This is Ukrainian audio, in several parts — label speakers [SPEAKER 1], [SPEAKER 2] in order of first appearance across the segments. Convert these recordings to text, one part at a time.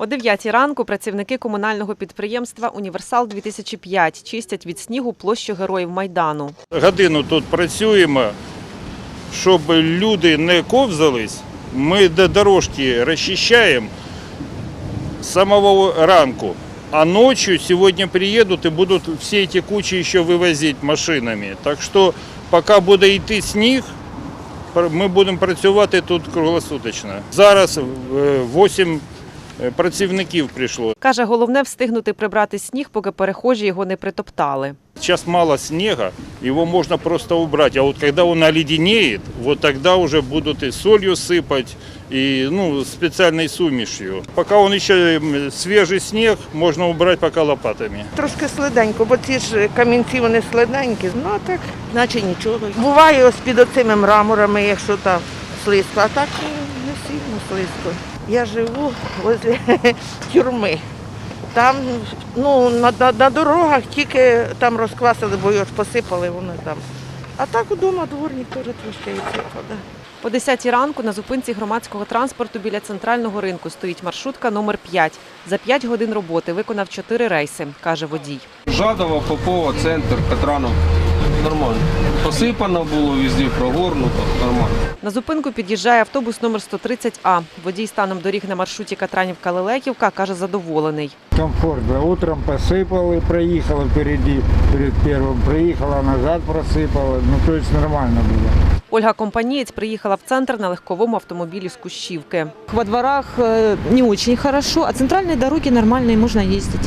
[SPEAKER 1] О 9 ранку працівники комунального підприємства «Універсал-2005» чистять від снігу площу Героїв Майдану.
[SPEAKER 2] Годину тут працюємо, щоб люди не ковзались. Ми дорожки розчищаємо з самого ранку. А ночью сегодня приедут и будут все эти кучи еще вывозить машинами. Так что пока буде йти сніг, ми будемо працювати тут круглосуточно. Зараз 8 працівників прийшло.
[SPEAKER 1] Каже, головне встигнути прибрати сніг, поки перехожі його не притоптали.
[SPEAKER 2] Сейчас мало снега, его можно просто убрать. А вот когда он оледенеет, вот тогда уже будут и солью сыпать, и специальной сумешью. Пока он еще свежий снег, можно убрать пока лопатами.
[SPEAKER 3] Трошки слиденько, бо ці ж камінці, вони слиденькі, а так, наче нічого. Буває ось під оцими мраморами, якщо там слизько, а так не сильно слизько. Я живу возле тюрми. Там на дорогах тільки там розквасили, бо його ж посипали вони там. А так удома дворник теж трошки відсипав. Да.
[SPEAKER 1] О 10 ранку на зупинці громадського транспорту біля центрального ринку стоїть маршрутка номер 5. За 5 годин роботи виконав 4 рейси, каже водій.
[SPEAKER 4] Жадова, Попова, центр, Катранов. Нормально. Посипано було, везде прогорнуто, нормально.
[SPEAKER 1] На зупинку під'їжджає автобус номер 130А. Водій станом доріг на маршруті Катранівка-Лелеківка каже, задоволений.
[SPEAKER 5] Комфортно. Утром посыпала, проехала впереди, перед первым проехала, назад просыпала. То есть нормально было.
[SPEAKER 1] Ольга Компанієць приїхала в центр на легковому автомобілі з Кущівки.
[SPEAKER 6] Во дворах не очень хорошо, а центральные дороги нормальные, можно ездить.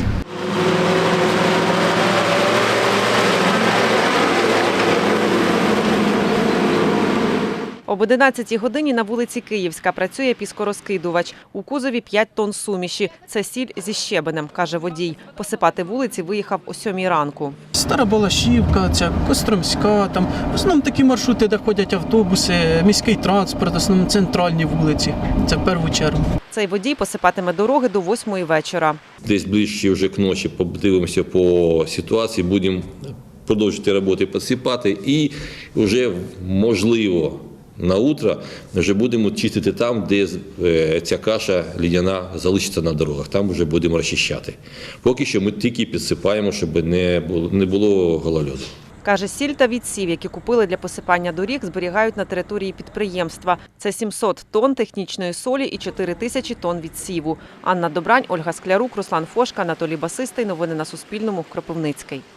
[SPEAKER 1] Об 11 годині на вулиці Київська працює піскорозкидувач. У кузові 5 тонн суміші. Це сіль зі щебенем, каже водій. Посипати вулиці виїхав о 7 ранку.
[SPEAKER 7] Стара Балашівка, Костромська, там в основному такі маршрути, де ходять автобуси, міський транспорт, в основному центральні вулиці. Це в першу чергу.
[SPEAKER 1] Цей водій посипатиме дороги до 8-ї вечора.
[SPEAKER 8] Десь ближче вже к ночі подивимося по ситуації, будемо продовжувати роботи, посипати і вже можливо на утро вже будемо чистити там, де ця каша лідяна залишиться на дорогах. Там вже будемо розчищати. Поки що ми тільки підсипаємо, щоб не було голольоду.
[SPEAKER 1] Каже, сіль та відсів, які купили для посипання доріг, зберігають на території підприємства. Це 700 тонн технічної солі і 4000 тонн відсіву. Анна Добрань, Ольга Склярук, Руслан Фошка, Анатолій Басистий. Новини на Суспільному. Кропивницький.